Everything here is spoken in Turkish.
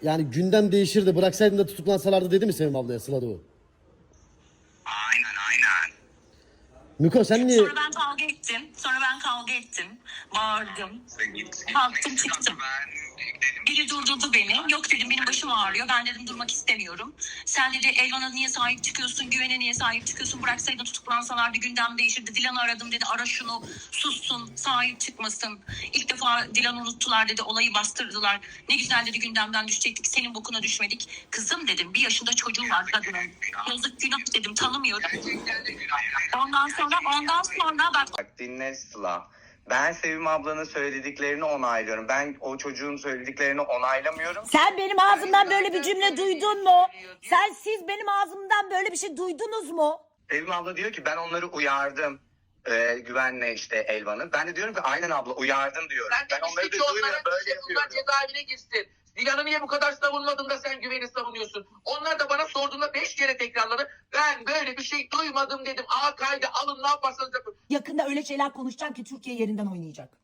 yani gündem değişirdi, bıraksaydın da tutuklansalardı dedi mi Sevim ablaya Sıla Doğu? Aynen. Miko sen niye... Sonra ben kavga ettim. Bağırdım. Kalktım çıktım. Biri durdurdu beni. Yok dedim, benim başım ağrıyor. Ben dedim durmak istemiyorum. Sen dedi Elvan'a niye sahip çıkıyorsun? Güven'e niye sahip çıkıyorsun? Bıraksaydın tutuklansalardı gündem değişirdi. Dilan'ı aradım dedi. Ara şunu, sussun, sahip çıkmasın. İlk defa Dilan'ı unuttular dedi. Olayı bastırdılar. Ne güzel dedi, gündemden düşecektik. Senin bokuna düşmedik. Kızım dedim, 1 yaşında çocuğu var kadının. Yazık, günah dedim, tanımıyorum. Ondan sonra Bak dinle Sıla. Ben Sevim ablanın söylediklerini onaylıyorum. Ben o çocuğun söylediklerini onaylamıyorum. Sen benim ağzımdan böyle bir cümle duydun mu? Siz benim ağzımdan böyle bir şey duydunuz mu? Sevim abla diyor ki ben onları uyardım. Güvenle işte Elvan'ı. Ben de diyorum ki aynen abla uyardın diyorum. Ben onları demiştim da ki onlara duymuyorum, böyle işte bunlar yapıyorum. cezaevine girsin. Dilan'ı niye bu kadar savunmadın da sen Güven'i savunuyorsun? Onlar da bana sorduğunda 5 kere tekrarladı. Ben böyle bir şey duymadım dedim. Kaydı alın, ne yaparsanız yapın. Yakında öyle şeyler konuşacağım ki Türkiye yerinden oynayacak.